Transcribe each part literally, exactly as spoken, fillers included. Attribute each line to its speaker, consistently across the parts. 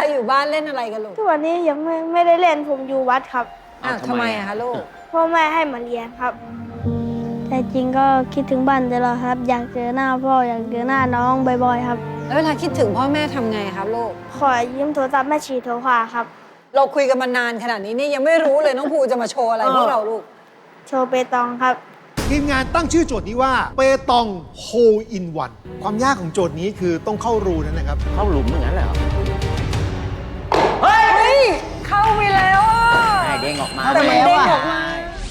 Speaker 1: อยู่บ้านเล่นอะไรกันลูก
Speaker 2: ทุกวันนี้ยังไม่ไม่ได้เล่นผมอยู่วัดครับ
Speaker 1: อ้าวทำไมอะคะลูก
Speaker 2: พ่อแม่ให้มาเรียนครับแต่จริงก็คิดถึงบ้านตลอดครับอยากเจอหน้าพ่ออยากเจอหน้าน้องบ่อยๆครับ
Speaker 1: แล้วเวลาคิดถึงพ่อแม่ทำไงครับลูก
Speaker 2: ขอยืมโทรศัพท์แม่ชีโทรหาครับ
Speaker 1: เราคุยกันมานานขนาดนี้นี่ยังไม่รู้เลยน้องภูจะมาโชว์อะไรพวกเราลูก
Speaker 2: โชว์เปตองครับ
Speaker 3: ทีมงานตั้งชื่อโจทย์นี้ว่าเปตองโฮอินวันความยากของโจทย์นี้คือต้องเข้ารูนั่นนะครับ
Speaker 4: เข้าหลุมอย่างนั้นเลยเหรอ
Speaker 1: เฮ้ยเข้าไปแล้วอ่ะ
Speaker 4: เด้งออกมา
Speaker 1: แต่มันเด้งออกมา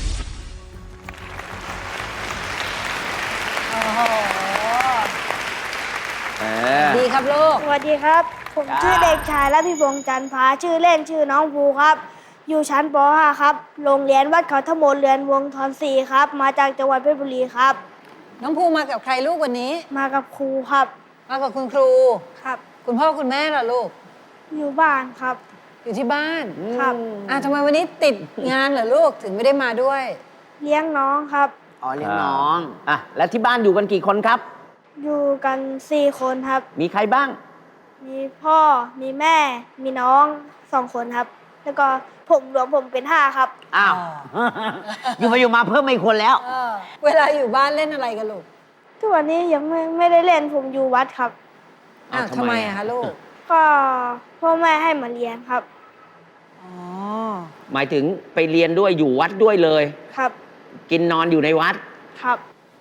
Speaker 1: ดีครับลูก
Speaker 2: สวัสดีครับผมชื่อเด็กชายและพี่พงษ์จันทร์พาชื่อเล่นชื่อน้องภูครับอยู่ชั้นป .ห้า ครับโรงเรียนวัดเขาธมนเรือนวงทอนสี่ครับมาจากจังหวัดเพชรบุรีครับ
Speaker 1: น้องภูมากับใครลูกวันนี้
Speaker 2: มากับครูครับ
Speaker 1: มากับคุณครู
Speaker 2: ครับ
Speaker 1: คุณพ่อคุณแม่ล่ะลูก
Speaker 2: อยู่บ้านครับ
Speaker 1: อยู่ที่บ้าน
Speaker 2: ครับ
Speaker 1: อ่ะทำไมวันนี้ติดงานเหรอลูกถึงไม่ได้มาด้วย
Speaker 2: เลี้ยงน้องครับ
Speaker 4: อ๋อเลี้ยงน้องอ่ะแล้วที่บ้านอยู่กันกี่คนครับ
Speaker 2: อยู่กันสี่คนครับ
Speaker 4: มีใครบ้าง
Speaker 2: มีพ่อมีแม่มีน้องสองคนครับแล้วก็ผมรวมผมเป็นห้าครับ
Speaker 4: อ้าวอยู่มาอยู่มาเพิ่มอีกคนแล้ว
Speaker 1: เวลาอยู่บ้านเล่นอะไรกันลูก
Speaker 2: ทุกวันนี้ยังไม่ไม่ได้เล่นผมอยู่วัดครับ
Speaker 1: อ้าวทำไมอะคะลูก
Speaker 2: ก็พ่อแม่ให้มาเรียนครับ
Speaker 1: อ๋อ
Speaker 4: หมายถึงไปเรียนด้วยอยู่วัดด้วยเลย
Speaker 2: ครับ
Speaker 4: กินนอนอยู่ในวัด
Speaker 2: ครับ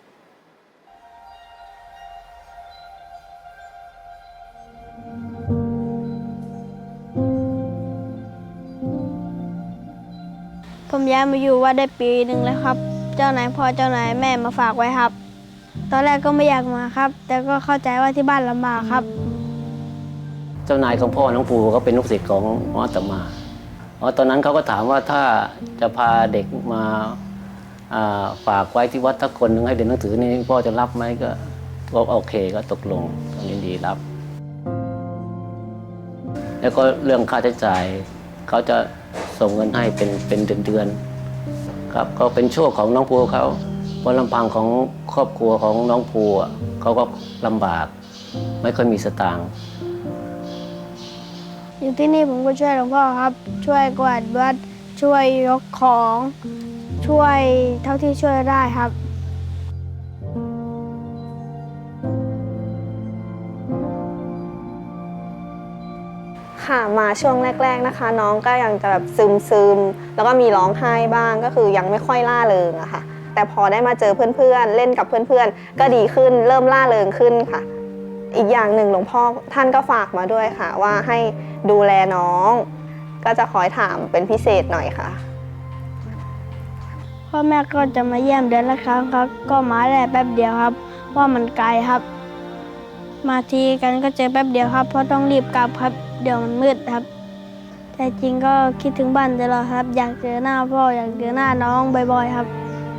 Speaker 2: ผมย้ายมาอยู่วัดได้ปีหนึ่งแล้วครับเจ้านายพ่อเจ้านายแม่มาฝากไว้ครับตอนแรกก็ไม่อยากมาครับแต่ก็เข้าใจว่าที่บ้านลำบากครับ
Speaker 4: เจ้านายของพ่อน้องภูเขาเป็นลูกศิษย์ของหมออาตมาอ๋อตอนนั้นเขาก็ถามว่าถ้าจะพาเด็กมาฝากไว้ที่วัดทักคนนึงให้เรียนหนังสือนี่พ่อจะรับไหมก็ก็โอเคก็ตกลงยินดีรับแล้วก็เรื่องค่าใช้จ่ายเขาจะส่งเงินให้เป็นเป็นเดือนๆครับก็เป็นโชคของน้องภูเขาเพราะลำพังของครอบครัวของน้องภูเขาก็ลำบากไม่ค่อยมีสตางค์
Speaker 2: อยู่ที่นี่ผมก็ช่วยหลวงพ่อครับช่วยกวาดวัดช่วยยกของช่วยเท่าที่ช่วยได้ครับ
Speaker 5: ค่ะมาช่วงแรกๆนะคะน้องก็ยังจะแบบซึมๆแล้วก็มีร้องไห้บ้างก็คือยังไม่ค่อยล่าเริงอะค่ะแต่พอได้มาเจอเพื่อนๆเล่นกับเพื่อนๆก็ดีขึ้นเริ่มล่าเริงขึ้นค่ะอีกอย่างหนึ่งหลวงพ่อท่านก็ฝากมาด้วยค่ะว่าให้ดูแลน้องก็จะคอยถามเป็นพิเศษหน่อยค่ะ
Speaker 2: พ่อแม่ก็จะมาเยี่ยมเดือนละครั้งครับก็มาได้แป๊บเดียวครับว่ามันไกลครับมาทีกันก็เจอแป๊บเดียวครับเพราะต้องรีบกลับครับเดี๋ยวมันมืดครับแต่จริงก็คิดถึงบ้านตลอดครับอยากเจอหน้าพ่ออยากเจอหน้าน้องบ่อยๆครับ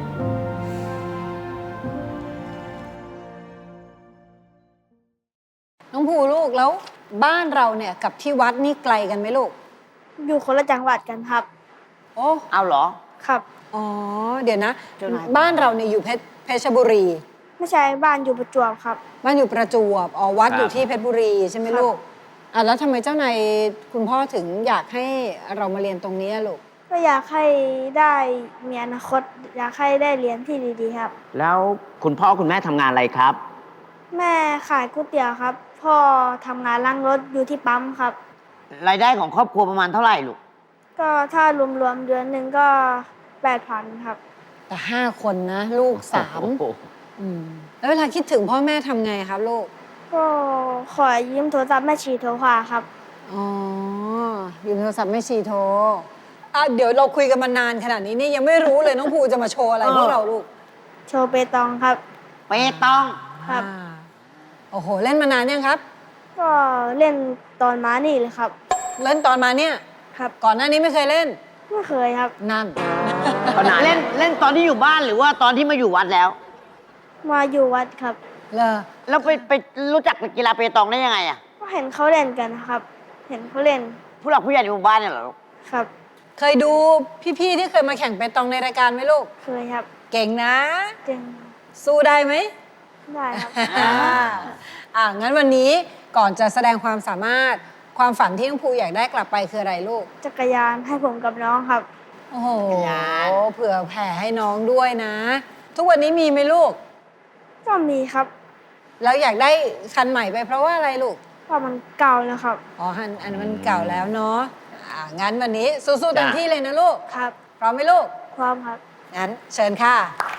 Speaker 1: น้องภูลูกแล้วบ้านเราเนี่ยกับที่วัดนี่ไกลกันไหมลูก
Speaker 2: อยู่คนละจังหวัดกันครับ
Speaker 1: โอ้
Speaker 4: เอาเหรอ
Speaker 2: ครับ
Speaker 1: อ๋อเดี๋ยวนะบ้านเราเนี่ยอยู่เพชรเพชรบุรี
Speaker 2: ไม่ใช่บ้านอยู่ประจวบครับ
Speaker 1: บ้านอยู่ประจวบอ๋อวัดอยู่ที่เพชรบุรีใช่ไหมลูกอ่ะแล้วทำไมเจ้านายคุณพ่อถึงอยากให้เรามาเรียนตรงนี้ลูก
Speaker 2: ก็อยากให้ได้มีอนาคตอยากให้ได้เรียนที่ดีๆครับ
Speaker 4: แล้วคุณพ่อคุณแม่ทำงานอะไรครับ
Speaker 2: แม่ขายก๋วยเตี๋ยวครับพ่อทำงานล้างรถอยู่ที่ปั๊มครับ
Speaker 4: รายได้ของครอบครัวประมาณเท่าไหร่ลูก
Speaker 2: ก็ถ้ารวมๆเดือนหนึ่งก็แปดพันครับ
Speaker 1: แต่ห้าคนนะลูกสามแล้วเวลาคิดถึงพ่อแม่ทำไงครับลูก
Speaker 2: ก็ขอยืมโทรศัพท์แม่ชีโทรหาครับ
Speaker 1: อ๋อยืมโทรศัพท์แม่ชีโทรอ่ะเดี๋ยวเราคุยกันมานานขนาดนี้นี่ยังไม่รู้เลยน้องภูจะมาโชว์อะไรพวกเราลูก
Speaker 2: โชว์เปตองครับ
Speaker 4: เปตอง
Speaker 2: ครับ
Speaker 1: โอ้โหเล่นมานานยังครับ
Speaker 2: ก็เล่นตอนมานี่เลยครับ
Speaker 1: เล่นตอนมาเนี่ย
Speaker 2: ครับ
Speaker 1: ก่อนหน้านี้ไม่เคยเล่น
Speaker 2: ไม่เคยครับ
Speaker 1: นั่น
Speaker 4: เล่นเล่นตอนที่อยู่บ้านหรือว่าตอนที่มาอยู่วัดแล้ว
Speaker 2: มาอยู่วัดครับ
Speaker 1: เหรอ
Speaker 4: แล้วไปไปรู้จักกีฬาเปตองได้ยังไงอ่ะ
Speaker 2: ก็เห็นเขาเล่นกันครับเห็นเขาเล่น
Speaker 4: ผู้หลักผู้ใหญ่ในหมู่บ้านเนี่ยเหรอลูก
Speaker 2: ครับ
Speaker 1: เคยดูพี่ๆที่เคยมาแข่งเปตองในรายการไหมลูก
Speaker 2: เคยครับ
Speaker 1: เก่งนะ
Speaker 2: เก่ง
Speaker 1: สู้ได้ไหม
Speaker 2: ได้ครับ
Speaker 1: อ่าอ่างั้นวันนี้ก่อนจะแสดงความสามารถความฝันที่น้องภูอยากได้กลับไปคืออะไรลูก
Speaker 2: จักรยานให้ผมกับน้องครับ
Speaker 1: โอ้โหเผื่อแผ่ให้น้องด้วยนะ ทุกวันนี้มีไหมลูก
Speaker 2: ก็มีครับ
Speaker 1: แล้วอยากได้คันใหม่ไปเพราะว่าอะไรลูก
Speaker 2: เพราะมันเก่าแล้วครับ
Speaker 1: อ๋ออันอันมันเก่าแล้วเนาะอ่างั้นวันนี้สู้ๆเต็มที่เลยนะลูก
Speaker 2: ครับ
Speaker 1: พร้อมไหมลูก
Speaker 2: พร้อมครับ
Speaker 1: งั้นเชิญค่ะ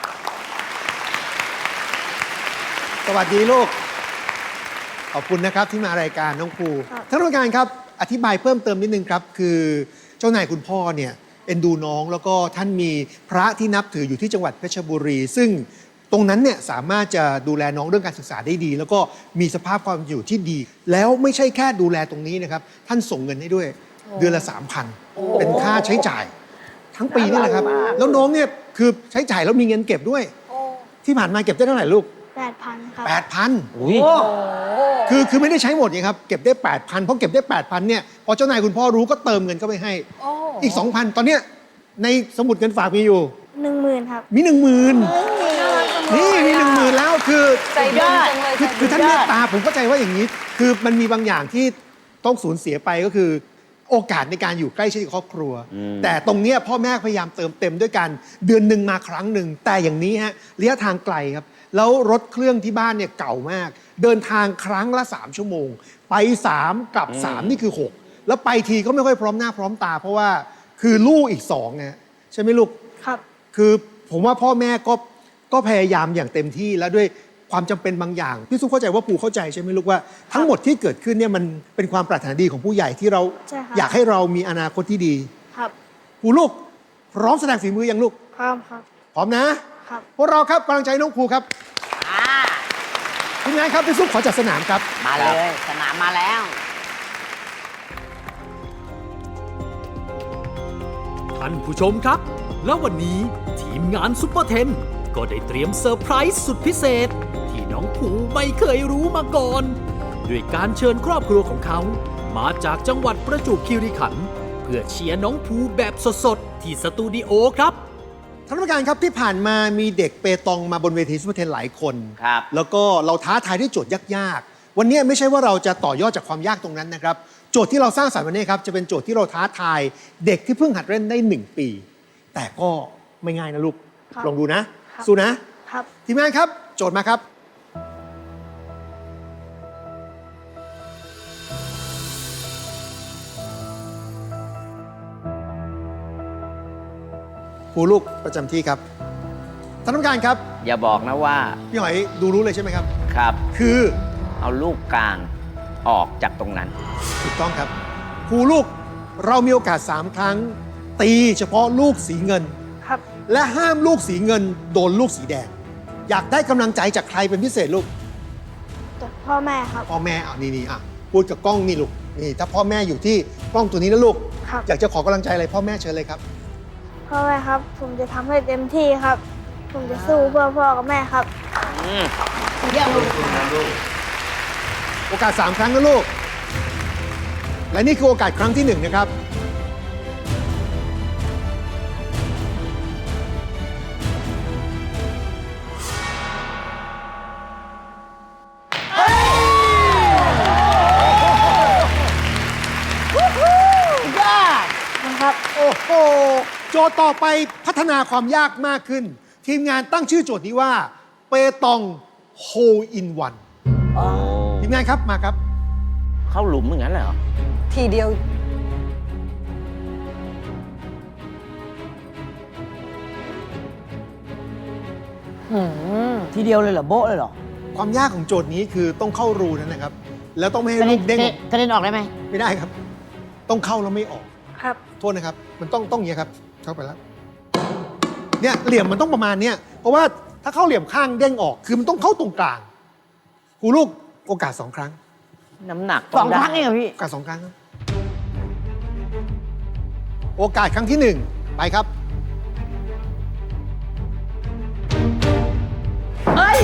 Speaker 3: สวัสดีลูก ขอบคุณนะครับที่มารายการน้องภู
Speaker 2: ครับ
Speaker 3: ท่านผู้การครับอธิบายเพิ่มเติมนิดนึงครับ คือเจ้านายคุณพ่อเนี่ยเอ็นดูน้องแล้วก็ท่านมีพระที่นับถืออยู่ที่จังหวัดเพชรบุรี ซึ่งตรงนั้นเนี่ยสามารถจะดูแลน้องเรื่องการศึกษาได้ดี แล้วก็มีสภาพความอยู่ที่ดี แล้วไม่ใช่แค่ดูแลตรงนี้นะครับท่านส่งเงินให้ด้วยเดือนละสามพันเป็นค่าใช้จ่าย ทั้งปีนี่แหละครับ แล้วน้องเนี่ยคือใช้จ่ายแล้วมีเงินเก็บด้วย ที่ผ่านมาเก็บได้เท่าไหร่ลูก
Speaker 2: แปดพันครับ
Speaker 3: แปดพัน
Speaker 4: อุ้ย
Speaker 3: คือคือไม่ได้ใช้หมดไงครับ เก็บได้ แปดพัน เพราะเก็บได้ แปดพัน เนี่ย พอเจ้านายคุณพ่อรู้ก็เติมเงินเข้าไปให้
Speaker 1: โอ้
Speaker 3: อีก สองพัน ตอนเนี้ยในสมุดเงินฝากมีอยู่
Speaker 2: หนึ่งหมื่นครับ
Speaker 3: มี หนึ่งหมื่น
Speaker 1: น่ารักจังเลย
Speaker 3: นี่มี หนึ่งหมื่น แล้วคือ
Speaker 1: ใจดีจังเลย
Speaker 3: คือ
Speaker 1: ใจดี
Speaker 3: คือท่านเมตตาผมเข้าใจว่าอย่างนี้ คือมันมีบางอย่างที่ต้องสูญเสียไปก็คือ โอกาสในการอยู่ใกล้ชิดกับครอบครัว แต่ตรงเนี้ยพ่อแม่พยายามเติมเต็มด้วยกันเดือนหนึ่งมาครั้งหนึ่งแต่อย่างนี้ฮะระยะทางไกลครับ แล้วรถเครื่องที่บ้านเนี่ยเก่ามาก เดินทางครั้งละสามชั่วโมง ไปสามกลับสามนี่คือหกแล้วไปทีก็ไม่ค่อยพร้อมหน้าพร้อมตา เพราะว่าคือลูกอีกสองไงใช่ไหมลูก
Speaker 2: ครับ
Speaker 3: คือผมว่าพ่อแม่ก็ก็พยายามอย่างเต็มที่แล้วด้วยความจำเป็นบางอย่างพี่ซุปเข้าใจว่าปู่เข้าใจใช่ไหมลูกว่าทั้งหมดที่เกิดขึ้นเนี่ยมันเป็นความปรารถนาดีของผู้ใหญ่ที่เรา
Speaker 2: ใช่ครับ
Speaker 3: อยากให้เรามีอนาคตที่ดี
Speaker 2: ครับ
Speaker 3: ปู่ลูกพร้อมแสดงฝีมือยังลูก
Speaker 2: พร้อมครับ
Speaker 3: พร้อมนะครับ พวกเราครับกำลังใจน้องภูครับทีมงานครับพี่ซุปขอจัดสนามครับ
Speaker 6: มาเลย สนามมาแล้ว
Speaker 7: ท่านผู้ชมครับ แล้ววันนี้ทีมงานซุปเปอร์เทนก็ได้เตรียมเซอร์ไพรส์สุดพิเศษ ที่น้องภูไม่เคยรู้มาก่อน ด้วยการเชิญครอบครัวของเขา มาจากจังหวัดประจวบคีรีขันธ์เพื่อเชียร์น้องภูแบบสดๆ ที่สตูดิโอครับ
Speaker 3: ท่านผู้การครับที่ผ่านมามีเด็กเปตองมาบนเวทีซุปเปอร์เทนหลายคน
Speaker 6: ครับ
Speaker 3: แล้วก็เราท้าทายด้วยโจทย์ยากๆ วันนี้ไม่ใช่ว่าเราจะต่อยอดจากความยากตรงนั้นนะครับ โจทย์ที่เราสร้างสรรค์วันนี้ครับจะเป็นโจทย์ที่เราท้าทายเด็กที่เพิ่งหัดเล่นได้หนึ่งปี แต่ก็ไม่ง่ายนะลูก
Speaker 2: ครับ
Speaker 3: ลองดูนะ
Speaker 2: ครับ
Speaker 3: สู้นะ
Speaker 2: ครับ
Speaker 3: ทีมงานครับ โจทย์มาครับ ครูลูกประจำที่ครับท่านผู้การครับ
Speaker 6: อย่าบอกนะว่า
Speaker 3: พี่หอยดูรู้เลยใช่ไหมครับ
Speaker 6: ครับ
Speaker 3: คือ
Speaker 6: เอาลูกกลางออกจากตรงนั้น
Speaker 3: ถูกต้องครับครูลูกเรามีโอกาสสามครั้ง ตีเฉพาะลูกสีเงิน
Speaker 2: ครับ
Speaker 3: และห้ามลูกสีเงินโดนลูกสีแดง อยากได้กำลังใจจากใครเป็นพิเศษลูก
Speaker 2: จากพ่อแม่ครับ
Speaker 3: พ่อแม่อ่ะนี่นี่อ่ะพูดกับกล้องนี่ลูกนี่ถ้าพ่อแม่อยู่ที่กล้องตัวนี้นะลูก
Speaker 2: ครับ
Speaker 3: อยากจะขอกำลังใจอะไรพ่อแม่เชิญเลยครับ
Speaker 2: พ่อแม่ครับ ผมจะทำให้เต็มที่ครับ ผมจะสู้เพื่อพ่อกับแม่ครับ
Speaker 3: โอกาสสามครั้งนะลูก และนี่คือโอกาสครั้งที่หนึ่งนะครับ
Speaker 2: นะครับ
Speaker 3: โอ้โห โจทย์ต่อไปพัฒนาความยากมากขึ้น ทีมงานตั้งชื่อโจทย์นี้ว่า เปตองโฮอินวันทีมงานครับมาครับ
Speaker 6: เข้าหลุมอย่างนั้นเลยเหรอ
Speaker 1: ทีเดียว
Speaker 8: ทีเดียวเลยเหรอ โบ๊ะเลยเหรอ
Speaker 3: ความยากของโจทย์นี้คือต้องเข้ารูนั่นนะครับ แล้วต้องไม่ให้
Speaker 8: กระ
Speaker 3: ลู
Speaker 8: เด็น
Speaker 3: กเด้งออก
Speaker 8: กระเด็นออกได้ไหม
Speaker 3: ไม่ได้ครับ ต้องเข้าแล้วไม่ออก
Speaker 2: ครับ
Speaker 3: โทษนะครับ มันต้องต้องอย่างนี้ยครับ เข้าไปแล้ว เนี่ยเหลี่ยมมันต้องประมาณเนี้ยเพราะว่าถ้าเข้าเหลี่ยมข้างเด้งออก คือมันต้องเข้าตรงกลางครูลูกโอกาสสองครั้ง
Speaker 6: น้ำหนัก
Speaker 8: สอง
Speaker 6: ต้
Speaker 8: ครั้งเองเหรอพี่
Speaker 3: โอกาสสองครั้งครับโอกาสครั้งที่หนึ่งไปครับ
Speaker 8: เฮ้ย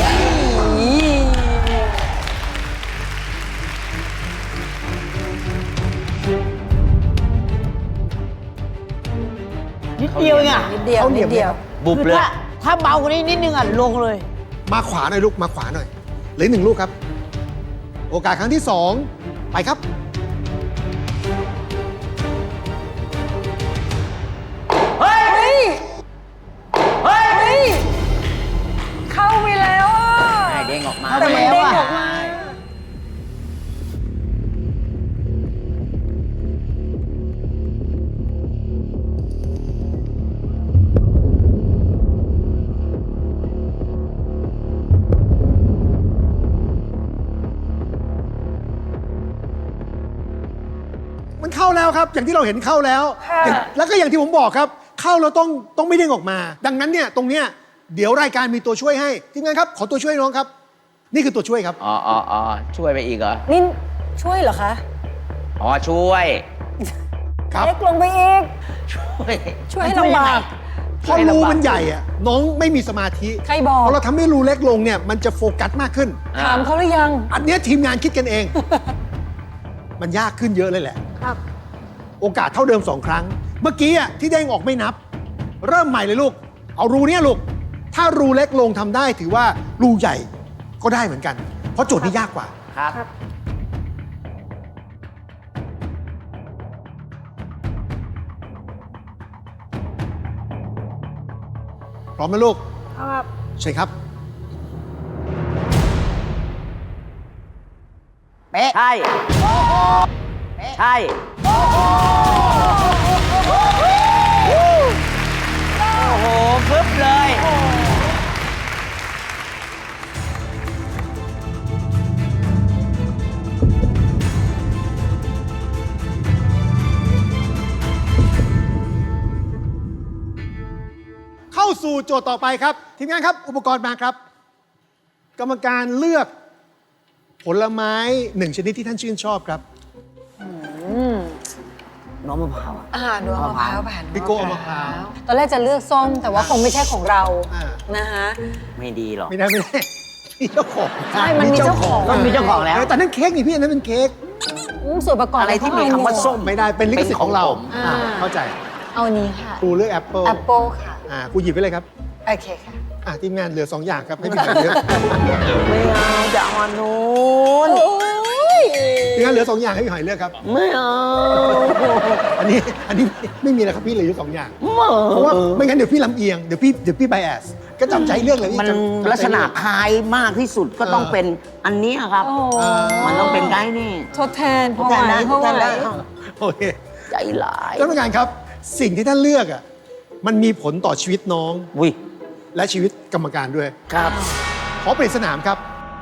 Speaker 8: นิดเดียวเองอ่ะ
Speaker 1: นิดเดียว
Speaker 3: เอาเหลี่
Speaker 1: นิ
Speaker 3: ยม
Speaker 1: ดเดียว
Speaker 6: บุบ
Speaker 8: คือ
Speaker 6: เลย
Speaker 8: ถ้าถ้าเบากว่านี้นิดนึงอ่ะ ลงเลย
Speaker 3: มาขวาหน่อยลูก มาขวาหน่อยเหลืออกหนึ่งลูกครับ โอกาสครั้งที่สองไปครับมันเข้าแล้วครับ อย่างที่เราเห็นเข้าแล้วอย่างแล้วก็อย่างที่ผมบอกครับ เข้าแล้วต้องต้องไม่เด้งออกมา ดังนั้นเนี่ยตรงเนี้ยเดี๋ยวรายการมีตัวช่วยให้ทีมงานครับขอตัวช่วยน้องครับ นี่คือตัวช่วยครับ
Speaker 6: อ๋ออ๋ออ๋อช่วยไปอีกเหรอ
Speaker 1: นี่ช่วยเหรอคะ
Speaker 6: อ๋อ ช่วย
Speaker 3: ครับ
Speaker 1: เล็กลงไปอีก
Speaker 6: ช่วย
Speaker 1: ช่วยให้ลำบาก
Speaker 3: พอรูมันใหญ่อะน้องไม่มีสมาธิ
Speaker 1: ใครบอก
Speaker 3: พอเราทำให้รูเล็กลงเนี่ยมันจะโฟกัสมากขึ้น
Speaker 1: ถามเขาหรือยัง
Speaker 3: อันเนี้ยทีมงานคิดกันเอง มันยากขึ้นเยอะเลยแหละ
Speaker 1: ครับ
Speaker 3: โอกาสเท่าเดิมสองครั้ง เมื่อกี้อะที่เด้งออกไม่นับ เริ่มใหม่เลยลูก เอารูเนี้ยลูก ถ้ารูเล็กลงทำได้ถือว่ารูใหญ่ก็ได้เหมือนกัน เพราะโจทย์นี้ยากกว่า
Speaker 6: ครับ
Speaker 3: พร้อมไหมลูก
Speaker 2: ครับ
Speaker 3: ใช่ครับ
Speaker 8: เป๊ะ
Speaker 6: ใช่ ใช่ โอ้โหฟึบเลย
Speaker 3: เข้าสู่โจทย์ต่อไปครับ ทีมงานครับ อุปกรณ์มาครับ กรรมการเลือกผลไม้หนึ่งชนิดที่ท่านชื่นชอบครับ
Speaker 8: น้องมะพร้าวอะ
Speaker 1: อ่าดูเอามะพร้าวผ่าน
Speaker 3: พี่โก้เอามะพร้าว
Speaker 1: ตอนแรกจะเลือกส้มแต่ว่าคงไม่ใช่ของเรา
Speaker 3: อ่า
Speaker 1: นะฮะ
Speaker 6: ไม่ดีหรอก
Speaker 3: ไม่ได้ไม่ได้ มีเจ้าของ
Speaker 1: ใช่มันมีเจ้าของ
Speaker 8: มันมีเจ้าของแล้ว
Speaker 3: เออแต่นั่นเค้กนี่พี่อันนั้นเป็นเค้ก
Speaker 1: อืมส่วนประกอบ
Speaker 6: อะไรที่มีคำว่าส้ม
Speaker 3: ไม่ได้เป็นลิขสิทธิ์ของเรา
Speaker 1: อ่า
Speaker 3: อ่าเข้าใจ
Speaker 1: เอาอันนี้ค่ะ
Speaker 3: ครูเลือกแอปเปิล
Speaker 1: แอปเปิลค่ะ
Speaker 3: อ่าครูหยิบไปเลยครับ
Speaker 1: โอเคค่ะ
Speaker 3: อ่าทีมงานเหลือสองอย่างครับให้พี่หอยเลือก
Speaker 8: ไม่เอาจะเอาอันนู้น
Speaker 1: โอ้ย
Speaker 3: ทีมงานเหลือสองอย่างให้พี่หอยเลือกครับ
Speaker 8: ไม่เอา
Speaker 3: อันนี้อันนี้ไม่มีแล้วครับพี่เหลืออยู่สองอย่าง
Speaker 8: ไม่
Speaker 3: เพราะว่าไม่งั้นเดี๋ยวพี่ลำเอียง เดี๋ยวพี่เดี๋ยวพี่ไบแอสก็จำใจเลือกเลยพี่
Speaker 8: มัน
Speaker 3: จำจำใจ
Speaker 8: ลักษณะ
Speaker 3: เลือก
Speaker 8: คล้ายมากที่สุดก็ต้องเป็นอันเนี้ยครับ
Speaker 1: โอ้โห
Speaker 8: มันต้องเป็นไก่นี่
Speaker 1: ทดแทนเพราะไหว
Speaker 8: แต่
Speaker 1: เพราะไหว
Speaker 8: แต่
Speaker 3: โอเค
Speaker 8: ใจหลาย
Speaker 3: ท่านผู้การครับ สิ่งที่ท่านเลือกอ่ะมันมีผลต่อชีวิตน้อง
Speaker 8: อุ้ย
Speaker 3: และชีวิตกรรมการด้วย
Speaker 8: ครับ
Speaker 3: ขอเปลี่ยนสนามครับ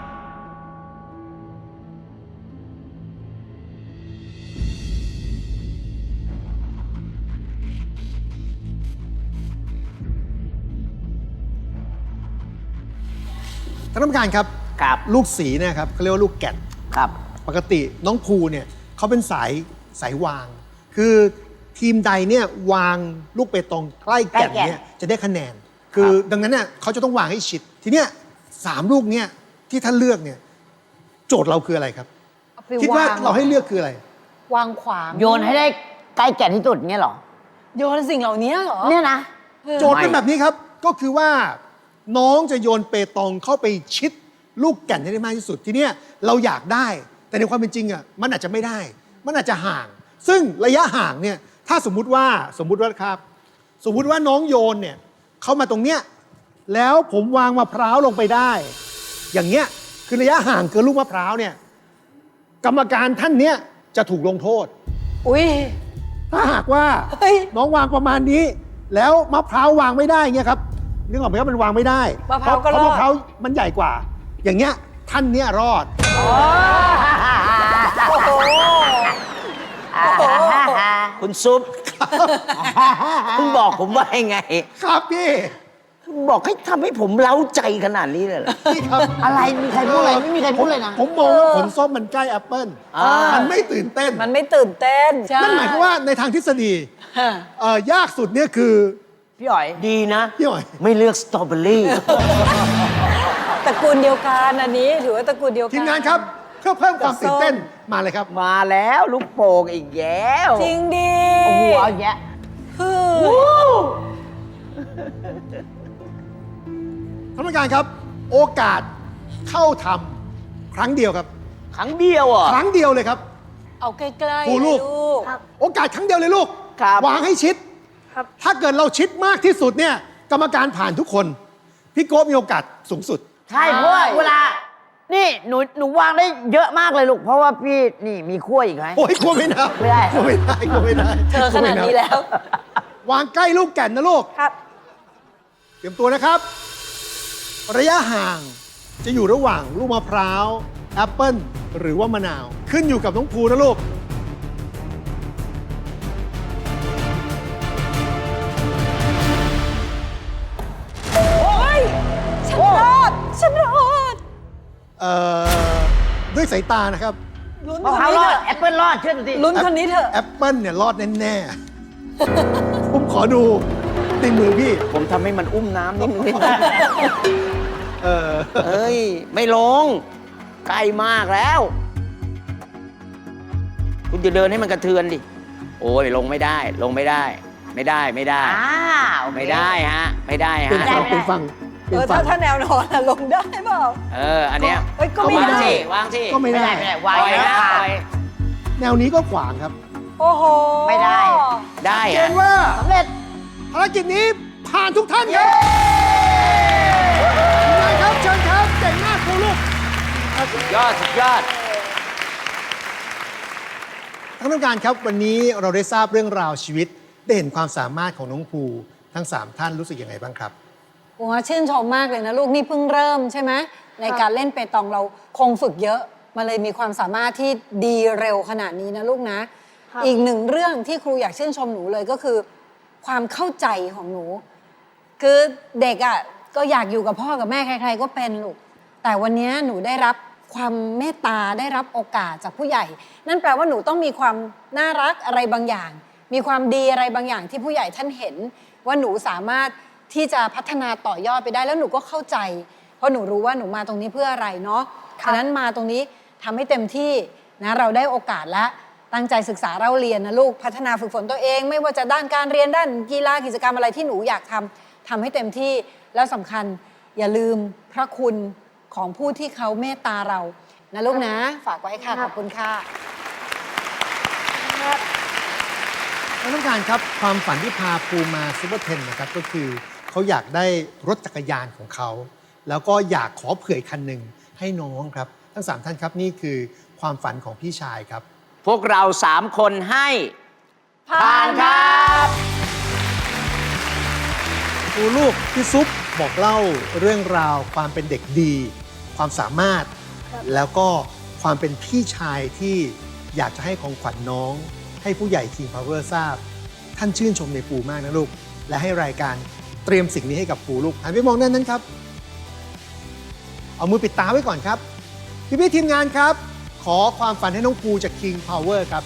Speaker 3: ท่านผู้การครับ
Speaker 8: ครับ
Speaker 3: ลูกสีเนะครับเขาเรียกว่าลูกแก่น
Speaker 8: ครับ
Speaker 3: ปกติน้องภูเนี่ยเขาเป็นสายสายวาง คือทีมใดเนี่ยวางลูกเปตองใกล้แก่นเนี่ยจะได้คะแนน คือดังนั้นเนี่ยเขาจะต้องวางให้ชิด ทีเนี้ยสามลูกเนี่ยที่ท่านเลือกเนี่ยโจทย์เราคืออะไรครับ
Speaker 1: เอาไป
Speaker 3: คิดว่าว
Speaker 1: าง
Speaker 3: เราให้เลือกคืออะไร
Speaker 1: วางขวาง
Speaker 8: โยนให้ได้ใกล้แก่นที่สุดเงี้ยเหรอ
Speaker 1: โยนสิ่งเหล่านี้เหรอ
Speaker 8: เนี่ยนะ
Speaker 3: โจทย์เป็นแบบนี้ครับ ก็คือว่าน้องจะโยนเปตองเข้าไปชิดลูกแก่นให้ได้มากที่สุด ทีเนี้ยเราอยากได้ แต่ในความเป็นจริงอ่ะมันอาจจะไม่ได้ มันอาจจะห่าง ซึ่งระยะห่างเนี่ยถ้าสมมุติว่าสมมุติว่าครับ สมมุติว่าน้องโยนเนี่ยเข้ามาตรงเนี้ยแล้วผมวางมะพร้าวลงไปได้ อย่างเงี้ยคือระยะห่างเกินลูกมะพร้าวเนี่ยกรรมการท่านเนี้ยจะถูกลงโทษ
Speaker 1: อุ้ย
Speaker 3: ถ้าหากว่า
Speaker 1: เฮ้ย
Speaker 3: น้องวางประมาณนี้ แล้วมะพร้าววางไม่ได้เงี้ยครับนึกออกไหมครับมันวางไม่ได้
Speaker 1: มะพร้าวก็
Speaker 3: เพราะ
Speaker 1: รอด
Speaker 3: มะพร้าวมันใหญ่กว่า อย่างเงี้ยท่านเนี้ยรอด
Speaker 1: โอ้โห โอ้โห
Speaker 6: คุณซุป คุณบอกผมว่ายังไง
Speaker 3: ครับพี่
Speaker 8: บอกให้ทำให้ผมเล้าใจขนาดนี้เลยเหรอ
Speaker 3: พี่ครับ
Speaker 8: อะไรมีใครพูดอะไรไม่มีใครพูดเลยนะ
Speaker 3: ผมมองว่าผลส้มมันใกล้แอปเปิ้ล
Speaker 8: อ่ามั
Speaker 3: มันไม่ตื่นเต้น
Speaker 1: มันไม่ตื่นเต้นใช่
Speaker 3: นั่นหมายความว่าในทางทฤษฎี
Speaker 1: ฮะ
Speaker 3: เอ่อยากสุดเนี่ยคือ
Speaker 8: พี่อ๋อยดีนะ
Speaker 3: พี่หอย
Speaker 8: ไม่เลือกสตรอเบอรี่
Speaker 1: ตระกูลเดียวกันอันนี้ถือว่าตระกูลเดียวกัน
Speaker 3: ทีมงานครับเพื่อเพิ่มความตื่นเต้นมาเลยครับ
Speaker 8: มาแล้วลูกโป่งอีกแล้ว
Speaker 1: จริงดิ
Speaker 8: โอ้โหเอาแยะ
Speaker 1: คือ
Speaker 3: ท่านผู้การครับ โอกาสเข้าทำครั้งเดียวครับ
Speaker 8: ครั้งเดียวอ่ะ
Speaker 3: ครั้งเดียวเลยครับ
Speaker 1: เอาใกล้ๆ
Speaker 3: ครูลูก
Speaker 1: เลยลูก
Speaker 3: โอกาสครั้งเดียวเลยลูก
Speaker 8: ครับ
Speaker 3: วางให้ชิด
Speaker 2: ครับ
Speaker 3: ถ้าเกิดเราชิดมากที่สุดเนี่ยกรรมการผ่านทุกคน พี่โก้มีโอกาสสูงสุด
Speaker 8: ใช่เพราะว่าเวลา นี่หนูหนูวางได้เยอะมากเลยลูก เพราะว่าพี่นี่มีขั้วอีกไหม
Speaker 3: โอ้ยกลัวไม่ได้
Speaker 8: ไม่ได้
Speaker 3: กลัวไม่ได้กลัวไม่ได้
Speaker 1: เธอขนาดนี้แล้ว
Speaker 3: วางใกล้ลูกแก่นนะลูก
Speaker 2: ครับ
Speaker 3: เตรียมตัวนะครับ ระยะห่างจะอยู่ระหว่างลูกมะพร้าวแอปเปิ้ลหรือว่ามะนาว ขึ้นอยู่กับน้องภูนะลูกายตานะครับ
Speaker 1: ลุ้น
Speaker 8: มะ
Speaker 1: คน
Speaker 8: พร้าว
Speaker 1: นี้
Speaker 8: รอ
Speaker 1: เถ
Speaker 8: ด
Speaker 1: อะ
Speaker 8: แอปเปิลรอดเชื่อหนูดิ
Speaker 1: ลุ้นคนนี้เถอะ
Speaker 3: แอปเปิลเนี่ยรอดแน่ๆ ผมขอดูในมือพี่
Speaker 6: ผมทำให้มันอุ้มน้ำนิดนึงได้ไหม
Speaker 3: เออ
Speaker 6: เอ้ย ไม่ลง ใกล้มากแล้ว คุณจะเดินให้มันกระเทือนดิ โอ้ยลงไม่ได้ ลงไม่ได้ ไม่ได้ไม่ได้
Speaker 8: อ้าว
Speaker 6: ไม่ได้ฮะ ไม่ได้
Speaker 3: เป็น
Speaker 6: ฮะ
Speaker 3: ฝั่งเป็นฝั่ง
Speaker 1: เอ
Speaker 3: เป็น
Speaker 1: อ
Speaker 3: ฝั่
Speaker 1: ถ้าง ถ้าแนวนอนอะลงได้เปล่า
Speaker 6: เออ อันเนี้ย
Speaker 1: เอ้ยก็ไม่
Speaker 6: วาง
Speaker 1: ได้
Speaker 6: สิวางสิ
Speaker 3: ก็ไม่
Speaker 8: ไม่
Speaker 3: ได้
Speaker 8: ได้ไม่ได้วาง
Speaker 6: ปล่อย
Speaker 8: ไว้
Speaker 6: ฮะ
Speaker 8: ค่ะ
Speaker 6: ปล่อย
Speaker 3: แนวนี้ก็ขวางครับ
Speaker 1: โอ้โห
Speaker 8: ไม่ได้
Speaker 6: ได้
Speaker 3: เก
Speaker 6: ฮะ
Speaker 3: ณฑ์ว่า
Speaker 8: สำเร็จ
Speaker 3: ภารกิจนี้ผ่านทุกท่านครับนายครับเชิญครับเก่งมากครูลูก
Speaker 6: สุดยอด สุดยอด
Speaker 3: ท่านผู้การครับวันนี้เราได้ทราบเรื่องราวชีวิต ได้เห็นความสามารถของน้องภูทั้งสามท่านรู้สึกยังไงบ้างครับ
Speaker 1: โอ้ชื่นชมมากเลยนะลูกนี่เพิ่งเริ่มใช่ไหมในการเล่นเปตองเราคงฝึกเยอะมาเลยมีความสามารถที่ดีเร็วขนาดนี้นะลูกนะ
Speaker 2: ครับ
Speaker 1: อีกหนึ่งเรื่องที่ครูอยากชื่นชมหนูเลยก็คือ ความเข้าใจของหนู คือเด็กอ่ะก็อยากอยู่กับพ่อกับแม่ใคร ๆ ก็เป็นลูกแต่วันนี้หนูได้รับความเมตตาได้รับโอกาสจากผู้ใหญ่ นั่นแปลว่าหนูต้องมีความน่ารักอะไรบางอย่าง มีความดีอะไรบางอย่างที่ผู้ใหญ่ท่านเห็น ว่าหนูสามารถที่จะพัฒนาต่อยอดไปได้แล้วหนูก็เข้าใจ เพราะหนูรู้ว่าหนูมาตรงนี้เพื่ออะไรเนาะฉะนั้นมาตรงนี้ทำให้เต็มที่นะเราได้โอกาสและตั้งใจศึกษาเราเรียนนะลูกพัฒนาฝึกฝนตัวเอง ไม่ว่าจะด้านการเรียนด้านกีฬากิจกรรมอะไรที่หนูอยากทำทำให้เต็มที่แล้วสำคัญอย่าลืมพระคุณของผู้ที่เขาเมตตาเรานะลูกนะ ฝากไว้ค่ะขอบคุณค่ะ
Speaker 3: ท่านผู้การครับความฝันที่พาภูมาซูเปอร์เทนนะครับก็คือเขาอยากได้รถจักรยานของเขา แล้วก็อยากขอเผื่อคันหนึ่งให้น้องครับทั้งสามท่านครับนี่คือความฝันของพี่ชายครับ
Speaker 6: พวกเราสามคนให้ ผ่านครับ
Speaker 3: ครูลูกพี่ซุปบอกเล่าเรื่องราวความเป็นเด็กดี ความสามารถ แล้วก็ความเป็นพี่ชายที่อยากจะให้ของขวัญน้อง ให้ผู้ใหญ่ King Power ทราบ ท่านชื่นชมในปูมากนะลูก และให้รายการเตรียมสิ่งนี้ให้กับปูลูกหันไปมองด้านนั้นครับ เอามือปิดตาไว้ก่อนครับ พี่พี่ๆทีมงานครับ ขอความฝันให้น้องปูจาก King Power ครับ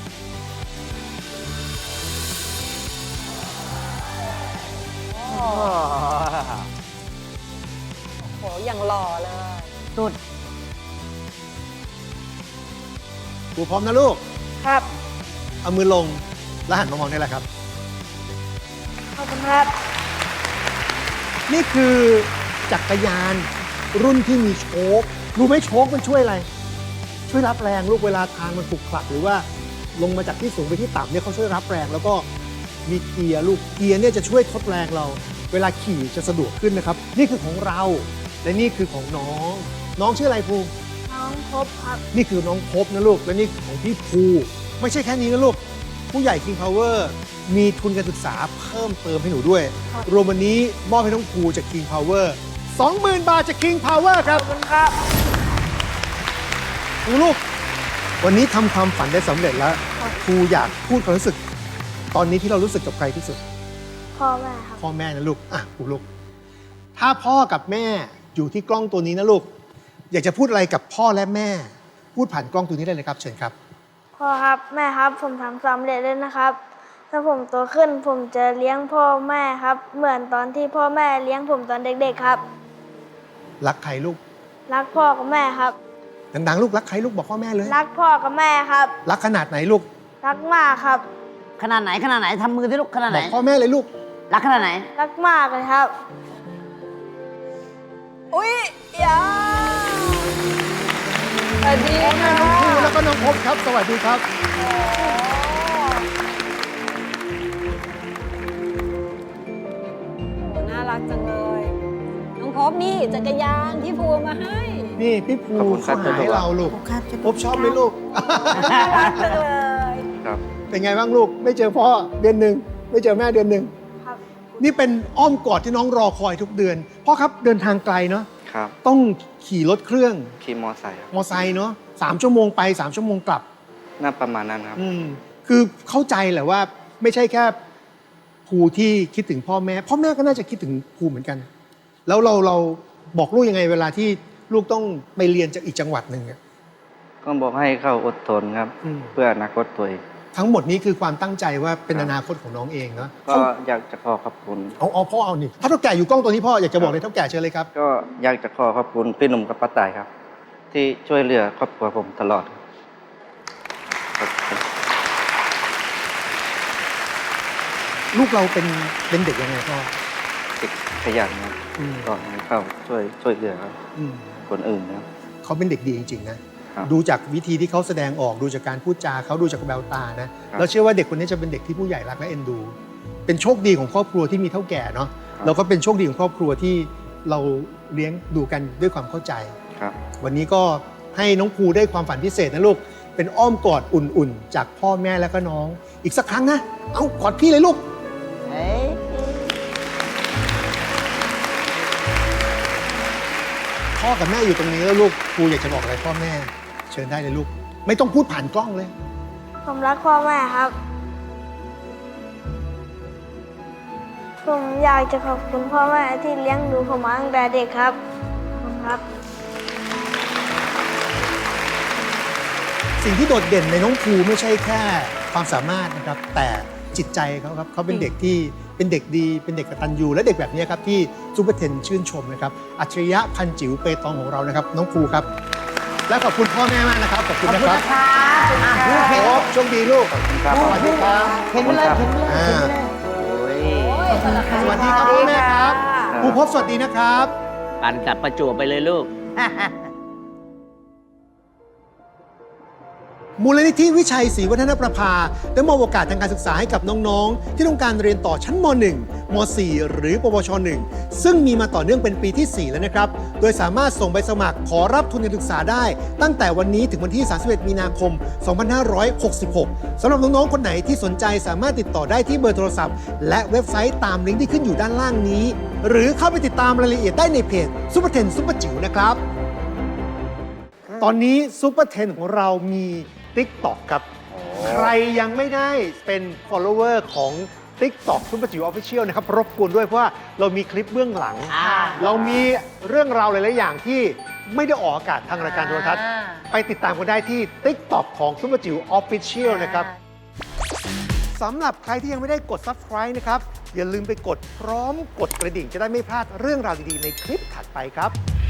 Speaker 1: โหอย่างหล่อเลย
Speaker 8: สุด
Speaker 3: ปูพร้อมนะลูก
Speaker 2: ครับ
Speaker 3: เอามือลงแล้วหันมามองได้แล้วครับ
Speaker 2: ขอบคุณครับ
Speaker 3: นี่คือจักรยานรุ่นที่มีโชครู้ไหมโชคมันช่วยอะไร ช่วยรับแรงลูกเวลาทางมันขรุขระหรือว่าลงมาจากที่สูงไปที่ต่ำเนี่ยเขาช่วยรับแรงแล้วก็มีเกียร์ลูกเกียร์เนี่ยจะช่วยทดแรงเรา เวลาขี่จะสะดวกขึ้นนะครับ นี่คือของเราและนี่คือของน้อง น้องชื่ออะไรภู
Speaker 2: น้องพบครับ
Speaker 3: นี่คือน้องพบนะลูกและนี่ของพี่ภูไม่ใช่แค่นี้นะลูกผู้ใหญ่ King Power มีทุนการศึกษาเพิ่มเติมให้หนูด้วย
Speaker 2: ครับ
Speaker 3: รวมวันนี้มอบให้น้องภูจาก King Power สองหมื่น บาทจาก King Power ครับ
Speaker 2: ขอบคุณครับ
Speaker 3: ครูลูก วันนี้ทำความฝันได้สำเร็จแล้วครูอยากพูดความรู้สึก ตอนนี้ที่เรารู้สึกกับใครที่สุด
Speaker 2: พ่อแม่ครับ
Speaker 3: พ่อแม่นะลูกอ่ะครูลูก ถ้าพ่อกับแม่อยู่ที่กล้องตัวนี้นะลูก อยากจะพูดอะไรกับพ่อและแม่ พูดผ่านกล้องตัวนี้ได้เลยครับ เชิญครับ
Speaker 2: พ่อครับแม่ครับผมทำสำเร็จแล้วนะครับ ถ้าผมโตขึ้นผมจะเลี้ยงพ่อแม่ครับ เหมือนตอนที่พ่อแม่เลี้ยงผมตอนเด็กๆครับ
Speaker 3: รักใครลูก
Speaker 2: รักพ่อกับแม่ครับ
Speaker 3: ดังๆลูกรักใครลูกบอกพ่อแม่เลย
Speaker 2: รักพ่อกับแม่ครับ
Speaker 3: รักขนาดไหนลูก
Speaker 2: รักมากครับ
Speaker 8: ขนาดไหนขนาดไหนทำมือที่ลูกขนาด
Speaker 3: บ
Speaker 8: ไหน
Speaker 3: อกพ่อแม่เลยลูก
Speaker 8: รักขนาดไหน
Speaker 2: รักมากเลยครับ
Speaker 1: อุ้ยยาสวัสดี
Speaker 3: พ่อแม่
Speaker 1: ค่ะ
Speaker 3: น้องภูแล้วก็น้องพบครับ สวัสดีครับ
Speaker 1: โอ้น่ารักจังเลย น้องพบนี่จักรยานที่ภูมาให้
Speaker 3: นี่พี่ภู
Speaker 9: ขอบคุณครั
Speaker 3: เขา
Speaker 9: บ
Speaker 3: หาให้เราลูก
Speaker 2: ครับ
Speaker 3: พบชอบไหมลูก
Speaker 1: น่ารักจังเลย
Speaker 9: ครับ
Speaker 3: เป็นไงบ้างลูก ไม่เจอพ่อเดือนหนึ่งไม่เจอแม่เดือนหนึ่ง
Speaker 2: ครับ
Speaker 3: นี่เป็นอ้อมกอดที่น้องรอคอยทุกเดือนพ่อครับเดินทางไกลเนาะ
Speaker 9: ครับ
Speaker 3: ต้องขี่รถเครื่อง
Speaker 9: ขี่มอไซค์ครับ
Speaker 3: มอไซค์เนาะสามชั่วโมงไปสามชั่วโมงกลับ
Speaker 9: น่าประมาณนั้นครับ
Speaker 3: อืมคือเข้าใจแหละว่าไม่ใช่แค่ภูที่คิดถึงพ่อแม่ พ่อแม่ก็น่าจะคิดถึงภูเหมือนกัน แล้วเราเราบอกลูกยังไงเวลาที่ลูกต้องไปเรียนจากอีกจังหวัดหนึ่งอะ
Speaker 9: ก็บอกให้เขาอดทนครับ
Speaker 3: อืม
Speaker 9: เพื่ออนาคตตัวเอง
Speaker 3: ทั้งหมดนี้คือความตั้งใจว่าเป็นอนาคตของน้องเองเนาะ
Speaker 9: ก็อยากจะขอขอบคุณ
Speaker 3: เอาเอาพ่อเอานี่ถ้าเท่าแก่อยู่กล้องตัวนี้พ่ออยากจะบอกเลยเท่าแก่เชิญเลยครับ
Speaker 9: ก็อยากจะขอขอบคุณพี่หนุ่มกับป้าต่ายครับ ที่ช่วยเหลือครอบครัวผมตลอดขอบคุณ
Speaker 3: ลูกเราเป็นเป็นเด็กยังไงพ่อ
Speaker 9: เด็กขยันครับ
Speaker 3: อืม
Speaker 9: ก็ให้เขาช่วยช่วยเหลือครับ
Speaker 3: อืม
Speaker 9: คนอื่นนะครับ
Speaker 3: เขาเป็นเด็กดีจริงๆนะครับ ดูจากวิธีที่เขาแสดงออกดูจากการพูดจาเขาดูจากแววตานะครับ เราเชื่อว่าเด็กคนนี้จะเป็นเด็กที่ผู้ใหญ่รักและเอ็นดู เป็นโชคดีของครอบครัวที่มีเท่าแก่เนาะแล้วก็เป็นโชคดีของครอบครัวที่เราเลี้ยงดูกันด้วยความเข้าใจ
Speaker 9: ครับ
Speaker 3: วันนี้ก็ให้น้องภูได้ความฝันพิเศษนะลูก เป็นอ้อมกอดอุ่นๆ จากพ่อแม่และก็น้อง อีกสักครั้งนะ เอากอดพี่เลยลูก
Speaker 8: เอ้ย
Speaker 3: พ่อกับแม่อยู่ตรงนี้แล้วลูกภูอยากจะบอกอะไรพ่อแม่ เชิญได้เลยลูก ไม่ต้องพูดผ่านกล้องเลย
Speaker 2: ผมรักพ่อแม่ครับ ผมอยากจะขอบคุณพ่อแม่ที่เลี้ยงดูผมมาตั้งแต่เด็กครับขอบคุณครับ
Speaker 3: สิ่งที่โดดเด่นในน้องภูไม่ใช่แค่ความสามารถนะครับ แต่จิตใจเขาครับเขาเป็นเด็กที่เป็นเด็กดีเป็นเด็กกตัญญูและเด็กแบบนี้ครับที่ซูเปอร์เทนชื่นชมนะครับอัจฉริยะพันจิ๋วเปตองของเรานะครับ น้องภูครับ และขอบคุณพ่อแม่มากนะครับขอบคุณ
Speaker 8: ขอบ
Speaker 3: นะ
Speaker 8: คุณ
Speaker 3: ครับ
Speaker 8: นะครับอ่ะลูกเห็น
Speaker 3: โอ้โชคดีลูก
Speaker 9: ครับ
Speaker 3: สวัสดีครับ
Speaker 8: เห็นไปเลยเห็นไปเลย
Speaker 3: อ่า
Speaker 8: เห็นไปเลย
Speaker 3: สวัสดีครับพ่อแม่ครับครูพบสวัสดีนะครับ
Speaker 6: ปั่นกลับประจวบไปเลยลูก
Speaker 3: มูลนิธิวิชัยศรีวัฒนประภาได้มอบโอกาสทางการศึกษาให้กับน้องๆ ที่ต้องการเรียนต่อชั้นม หนึ่ง ม สี่ หรือปวช หนึ่ง ซึ่งมีมาต่อเนื่องเป็นปีที่ สี่ แล้วนะครับ โดยสามารถส่งใบสมัครขอรับทุนการศึกษาได้ ตั้งแต่วันนี้ถึงวันที่ สามสิบเอ็ด มีนาคม สองพันห้าร้อยหกสิบหก สำหรับน้องๆ คนไหนที่สนใจสามารถติดต่อได้ที่เบอร์โทรศัพท์ และเว็บไซต์ตามลิงก์ที่ขึ้นอยู่ด้านล่างนี้ หรือเข้าไปติดตามรายละเอียดได้ในเพจซุปเปอร์เทนซุปเปอร์จิ๋วนะครับ ตอนนี้ซุปเปอร์เทนของเรามี TikTok ครับ ใครยังไม่ได้เป็น follower ของ TikTok ซุปเปอร์จิ๋วออฟฟิเชียลนะครับ รบกวนด้วยเพราะว่าเรามีคลิปเบื้องหลัง
Speaker 8: อ่า
Speaker 3: เรามีเรื่องราวหลาย ๆ อย่างที่ไม่ได้ออกอากาศทางรายการโทรทัศน์
Speaker 8: อ่า
Speaker 3: ไปติดตามกันได้ที่ TikTok ของซุปเปอร์จิ๋วออฟฟิเชียลนะครับสำหรับใครที่ยังไม่ได้กด Subscribe นะครับ อย่าลืมไปกดพร้อมกดกระดิ่งจะได้ไม่พลาดเรื่องราวดี ๆ ในคลิปถัดไปครับ